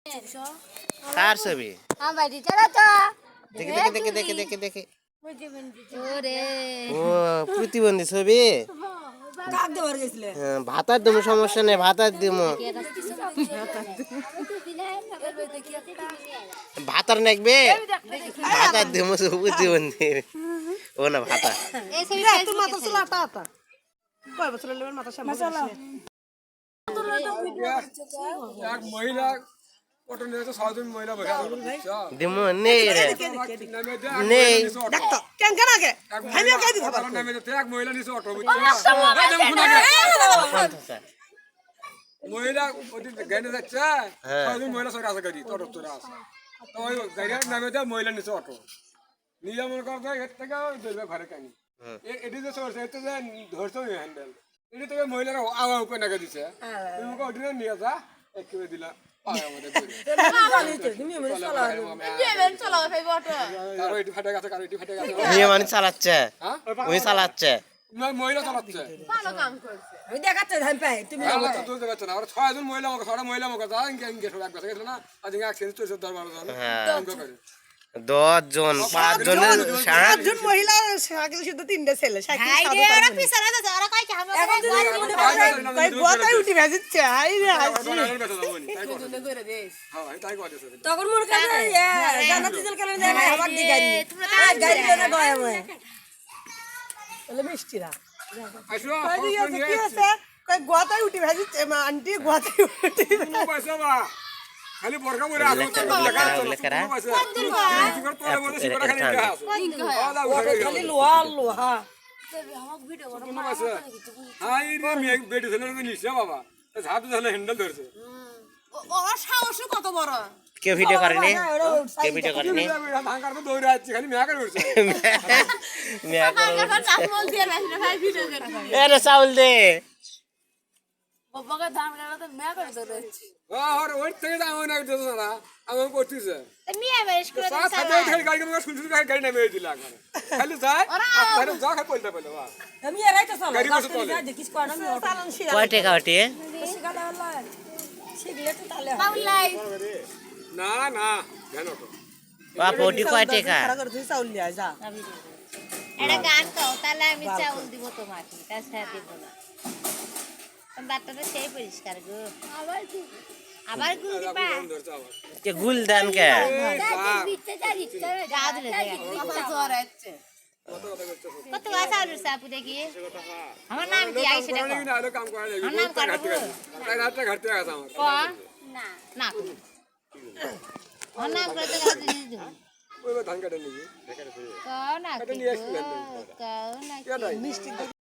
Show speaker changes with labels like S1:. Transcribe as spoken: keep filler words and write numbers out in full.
S1: কার ছবি?
S2: আমার চালা তো
S1: দেখে দেখে দেখে দেখে দেখে দেখে
S2: ওরে
S1: ও প্রতিবন্ধী ছবি। হ্যাঁ, ভাতার দেবো, সমস্যা নেই, ভাতার দেবো। ভাতার নাকবে, ভাতার দেবো প্রতিবন্ধী। ও না ভাতা
S3: মহিলা
S1: দিমো নেই রে নেই
S3: মহিলা গাড়ি যাচ্ছে মহিলা সরে আছে গাড়ি তোর তোর আছে তো ওই গাড়ির নামে দেয় মহিলা নিচে অটো নিয়ে মনে করবে এর থেকে ধরবে ঘরে কানি এটি যে সরছে এতে যে ধরছে হ্যান্ডেল এটি থেকে মহিলারা আওয়া করে নাকে দিছে তুমি ওটি নিয়ে যা একেবারে দিলা পায় আমাদের কারো এটি ফাটে গেছে কারো এটি ফাটে গেছে
S1: নিয়ে মানে চালাচ্ছে, ওই চালাচ্ছে
S3: মহিলা চালাচ্ছে
S4: ভালো কাম করছে
S5: আমি দেখাচ্ছি ধান পাই তুমি
S3: আমরা তো তুলতে পারছি না আমরা ছয়জন মহিলা আমাকে ছটা মহিলা আমাকে যা ইনকে ইনকে সব এক বছর গেছিল না আজ ইনকে অ্যাক্সিডেন্ট চলছে দশ বারো জন ইনকে করে
S1: দশ জন পাঁচ জনের
S5: সাত জন মহিলা সাইকেল শুধু তিনটা ছেলে সাইকেল সাদা
S2: ওরা পিছনে যাচ্ছে ওরা কই কি আমরা
S5: এখন যদি কই গোটাই উঠি ভেজিচ্ছে আই রে হাসি তখন মোর কাছে জান্নাত জল কেন যায় ভাই আবার দি গাড়ি গাড়ি লনা গয় আমি বলে মিষ্টিরা
S3: আসো
S5: কি আছে কই গোটাই উঠি ভেজিচ্ছে আন্টি গোটাই উঠি
S3: পয়সা বা খালি বর্গা মরে আসো লেখা আছে
S1: লেখা
S3: সুগার তোরে বলে সুগার খালি লেখা আছে
S5: খালি লোহা লোহা
S3: হাই রে মে বেটি ছেলে নিছে বাবা ঝাড়ু ধরে হ্যান্ডেল ধরছে
S4: ও সাহস কত বড়
S1: কে ভিডিও করেনি কে ভিডিও করেনি
S3: ধান কাটতে দৌড়ে যাচ্ছে খালি মেয়া করে উঠছে
S1: মিয়া
S4: কাকা চামল দিয়ে রাখলে ভাই ভিডিও করতে
S1: এরে চাউল দে
S4: বাবাকে ধান কাটা মেয়া করে দৌড়াচ্ছে
S3: আর ওই থেকে দাম না দিতে না আমি করতেছে
S2: মিয়া বেশ করে
S3: সাত হাতে খালি গাড়ি করে শুনছি গাড়ি গাড়ি নামে দিলা একবারে খালি যায় আর যা খাই পড়তে পড়লে বাহ
S5: আমি এরাই তো চালা
S3: গাড়ি বসে চলে
S5: দেখিস কোন আমি চালান শিয়া
S1: কয় টাকা ওটি?
S5: শিখাটা হলো শিখলে তো তাহলে
S2: পাউলাই
S3: না না ধ্যান ওটো
S1: বাপ ওটি কয় টাকা?
S5: খারাপ করে তুই চাউল লিয়া যা
S2: এটা গান গাও তাহলে আমি চাউল দিব তোমাকে তাছাড়া দিব না বাটটা সেই পরিষ্কার গো আবার গু আবার গু দিবা
S1: কে গুল দান কে
S4: জ্বর আছে
S2: কত গাছ আলু সাপু দেখি আমার নাম কি আইছে দেখো
S3: না আলো কাম করে
S2: আমার নাম কাটবো
S3: তাই রাতটা ঘাটতে গেছে আমার
S2: ক না না আমার নাম করে তো গাছ দিয়ে দিও
S3: ওই ধান কাটে নিবি
S2: ক না কি ক না কি মিষ্টি